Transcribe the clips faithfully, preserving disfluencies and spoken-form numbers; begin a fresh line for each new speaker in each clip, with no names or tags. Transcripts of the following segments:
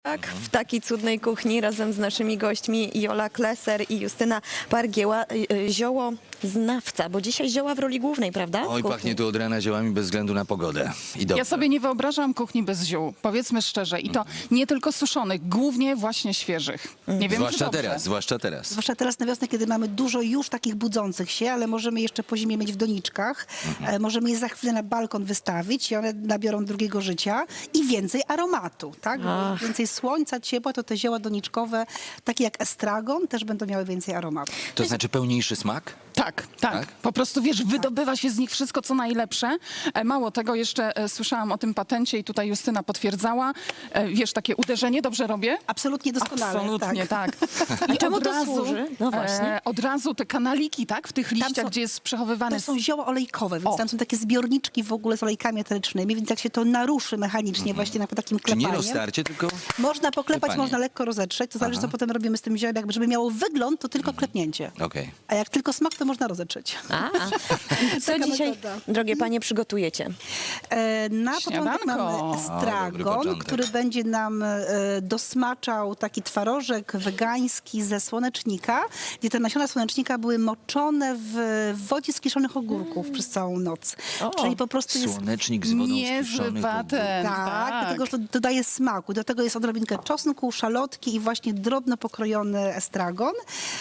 Tak, w takiej cudnej kuchni razem z naszymi gośćmi Jola Kleser i Justyna Pargieła. Zioło znawca, bo dzisiaj zioła w roli głównej, prawda?
Oj,
Kuchni.
pachnie tu od rana ziołami bez względu na pogodę. I dobrze.
Ja sobie nie wyobrażam kuchni bez ziół, powiedzmy szczerze. I to nie tylko suszonych, głównie właśnie świeżych. Nie wiem,
Zwłaszcza
czy dobrze.
teraz, zwłaszcza teraz.
Zwłaszcza teraz na wiosnę, kiedy mamy dużo już takich budzących się, ale możemy jeszcze po zimie mieć w doniczkach. E, możemy je za chwilę na balkon wystawić i one nabiorą drugiego życia i więcej aromatu, tak? Bo więcej słońca, ciepła, to te zioła doniczkowe, takie jak estragon, też będą miały więcej aromatu.
To znaczy pełniejszy smak?
Tak, tak,
Tak?
Po prostu, wiesz, wydobywa się z nich wszystko, co najlepsze. E, Mało tego, jeszcze e, słyszałam o tym patencie i tutaj Justyna potwierdzała. E, Wiesz, takie uderzenie, dobrze robię?
Absolutnie doskonale.
Absolutnie, tak.
I czemu to służy? No właśnie.
E, od razu te kanaliki, tak, w tych liściach,
są-
gdzie jest przechowywany...
To są zioła olejkowe, więc
O.
tam są takie zbiorniczki w ogóle z olejkami eterycznymi, więc jak się to naruszy mechanicznie właśnie na takim
Czy nie
klepaniem,
roztarcie, tylko...
można poklepać,
Klepanie.
można lekko rozetrzeć, to zależy,
Aha.
co potem robimy z tym ziołem. Jakby, żeby miało wygląd, to tylko klepnięcie.
Okej.
A jak tylko smak, to można rozetrzeć.
A, co
Taka
dzisiaj,
metoda.
drogie panie, przygotujecie?
E, Na początek
Śniadanko.
mamy
O, dobry
estragon,
początek.
który będzie nam e, dosmaczał taki twarożek wegański ze słonecznika, gdzie te nasiona słonecznika były moczone w wodzie z kiszonych ogórków przez całą noc.
O.
Czyli po prostu jest...
Słonecznik z wodą
Niezły
skiszonych
patent,
Tak,
tak.
dlatego że to dodaje smaku. Do tego jest odrobinkę czosnku, szalotki i właśnie drobno pokrojony estragon.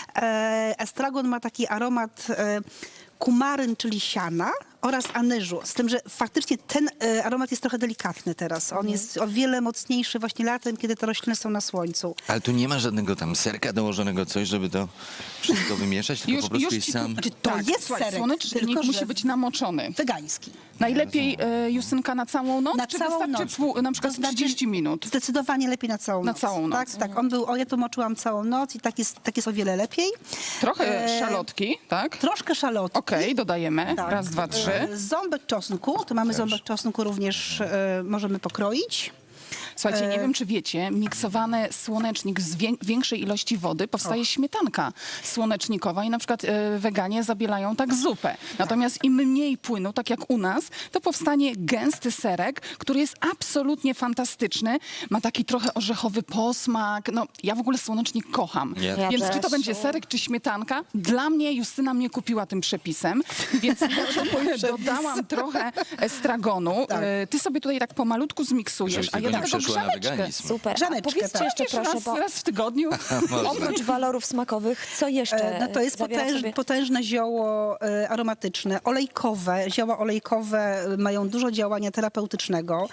E, estragon ma taki aromat e, kumaryn, czyli siana, oraz anyżu. Z tym, że faktycznie ten e, aromat jest trochę delikatny teraz. On jest o wiele mocniejszy właśnie latem, kiedy te rośliny są na słońcu.
Ale tu nie ma żadnego tam serka dołożonego, coś, żeby to wszystko wymieszać, tylko
Już-
po prostu
już
jest
ci tu-
sam...
Znaczy, to
Tak,
jest
słuchaj,
serek,
słonecznik
tylko
musi
że
być namoczony.
wegański.
Najlepiej, e, Justynka, na całą noc,
Na
czy
całą
wystarczy
noc.
pół, na przykład
To znaczy-
trzydzieści minut?
Zdecydowanie lepiej na całą
Na
noc.
całą noc.
Tak, tak. On był, o ja to moczyłam całą noc i tak jest, tak jest o wiele lepiej.
Trochę
E,
szalotki, tak?
Troszkę szalotki.
Okej, dodajemy.
Tak.
Raz, dwa, trzy.
E, Ząbek czosnku, to mamy ząbek czosnku również e, możemy pokroić.
Słuchajcie, nie
E,
wiem, czy wiecie, miksowany słonecznik z wię- większej ilości wody powstaje śmietanka słonecznikowa i na przykład e, weganie zabielają tak zupę. Natomiast im mniej płynu, tak jak u nas, to powstanie gęsty serek, który jest absolutnie fantastyczny. Ma taki trochę orzechowy posmak. No, ja w ogóle słonecznik kocham.
Ja
Ja
Więc
też.
czy to będzie serek, czy śmietanka? Dla mnie Justyna mnie kupiła tym przepisem, więc dodałam trochę estragonu.
Tak.
E, Ty sobie tutaj tak pomalutku zmiksujesz,
Żebyś
a
tylko
ja
nie
tylko
przeszła na
grzaneczkę.
weganizm.
Super. A
Grzaneczkę,
powiedzcie
tak.
jeszcze
Wiesz,
proszę,
raz,
bo
raz w tygodniu.
oprócz walorów smakowych, co jeszcze
E, No to jest
zawiera w
potęż,
sobie?
potężne zioło e, aromatyczne, olejkowe. Zioła olejkowe e, mają dużo działania terapeutycznego.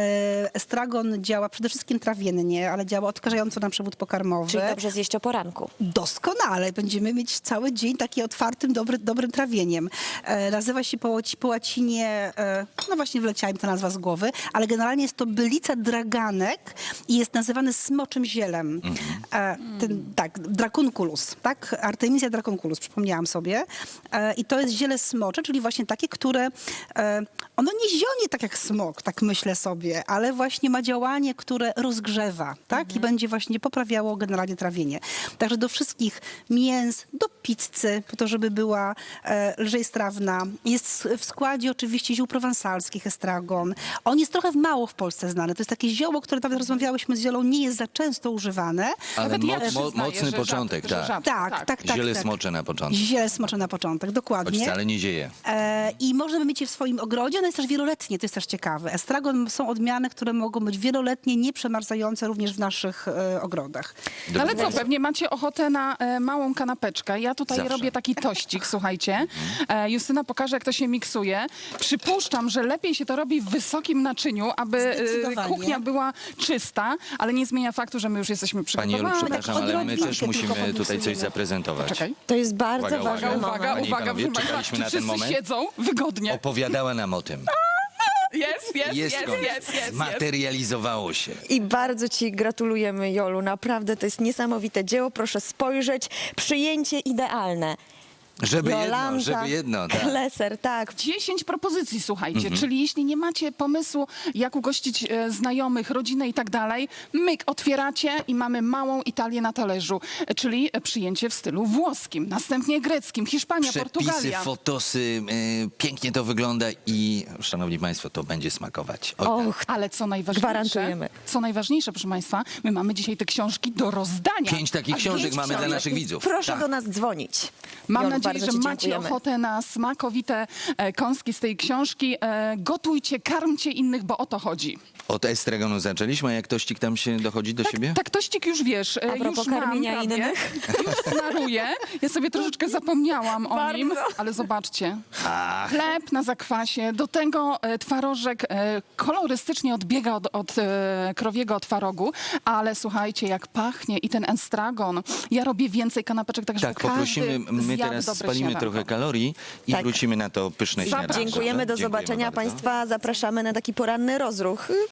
E, Estragon działa przede wszystkim trawiennie, ale działa odkażająco na przewód pokarmowy.
Czyli dobrze zjeść o poranku.
Doskonale. Będziemy mieć cały dzień taki otwartym, dobry, dobrym trawieniem. E, nazywa się po, łaci- po łacinie, e, no właśnie wleciała mi ta nazwa z głowy, ale generalnie jest to bylica draganek i jest nazywany smoczym zielem. E, ten, tak, dracunculus, tak? Artemisia dracunculus, przypomniałam sobie. E, I to jest ziele smocze, czyli właśnie takie, które, e, ono nie zionie tak jak smok, tak myślę sobie, ale właśnie ma działanie, które rozgrzewa, tak? I będzie właśnie poprawiało generalnie trawienie. Także do wszystkich mięs, do pizzy, po to, żeby była e, lżej strawna. Jest w składzie oczywiście ziół prowansalskich, estragon. On jest trochę mało w Polsce znany. To jest takie zioło, które nawet rozmawiałyśmy z Zielą, nie jest za często używane.
Ale
Nawet
mo
ja
mo
przyznaję,
mocny
że
początek,
rzadko, że
tak.
rzadko,
Tak, tak, tak.
Ziele
tak.
smocze na początek.
Ziele smocze na początek,
Choć
dokładnie.
wcale nie zieje.
E, I możemy mieć je w swoim ogrodzie. Ono jest też wieloletnie, to jest też ciekawe. Estragon są odmiany, które mogą być wieloletnie, nieprzemarzające również w naszych e, ogrodach.
No ale
Dobrze.
co, pewnie macie ochotę na e, małą kanapeczkę. Ja tutaj
Zawsze.
robię taki tościk, słuchajcie. E, Justyna pokaże, jak to się miksuje. Przypuszczam, że lepiej się to robi w wysokim naczyniu, aby e,
Zdecydowanie.
kuchnia była czysta, ale nie zmienia faktu, że my już jesteśmy
Pani Jolu,
przygotowane.
przepraszam, ale my
odrobinkę
też
tylko
musimy tutaj
podniesiemy.
coś zaprezentować.
Czekaj.
To jest bardzo
Uwaga,
ważny
uwaga,
moment.
Uwaga,
Panie i
uwaga,
panowie,
proszę państwa,
czekaliśmy
czy
na ten
wszyscy
moment?
siedzą wygodnie?
Opowiadała nam o tym.
Jest, jest, jest,
Jest koniec.
jest, jest, jest.
Materializowało się.
I bardzo ci gratulujemy, Jolu. Naprawdę to jest niesamowite dzieło. Proszę spojrzeć. Przyjęcie idealne.
Żeby jedno,
Jolanta
żeby jedno, tak.
Kleser, tak.
dziesięć propozycji, słuchajcie,
Mhm.
czyli jeśli nie macie pomysłu, jak ugościć e, znajomych, rodzinę i tak dalej, myk, otwieracie i mamy małą Italię na talerzu, e, czyli e, przyjęcie w stylu włoskim, następnie greckim, Hiszpania,
Przepisy,
Portugalia.
fotosy, y, pięknie to wygląda i, szanowni państwo, to będzie smakować. Oj, tak.
Och,
Ale co najważniejsze,
Gwarantujemy.
co najważniejsze, proszę Państwa, my mamy dzisiaj te książki do rozdania.
Pięć takich książek
pięć
mamy dla
książek,
naszych
więc
widzów.
Proszę
Tak.
do nas dzwonić.
Mam
Jolu,
nadzieję,
bardzo
że
ci
macie
dziękujemy.
ochotę na smakowite e, kąski z tej książki. E, gotujcie, karmcie innych, bo o to chodzi.
Od estragonu zaczęliśmy, a jak tościk tam się dochodzi do siebie?
Tak, tościk już wiesz, e,
A propos
już mam
karmienia
prawie,
innych.
już snaruję. Ja sobie troszeczkę zapomniałam o
Bardzo.
nim, ale zobaczcie. Chleb na zakwasie, do tego e, twarożek e, kolorystycznie odbiega od, od e, krowiego twarogu, ale słuchajcie, jak pachnie i ten estragon. Ja robię więcej kanapeczek, tak żeby
Tak, poprosimy,
każdy
my
zjadł
teraz
dobre
spalimy
śniadanko.
trochę kalorii i
Tak.
wrócimy na to pyszne śniadanie.
Dziękujemy, do
Dziękujemy
zobaczenia
bardzo.
Państwa. Zapraszamy na taki poranny rozruch.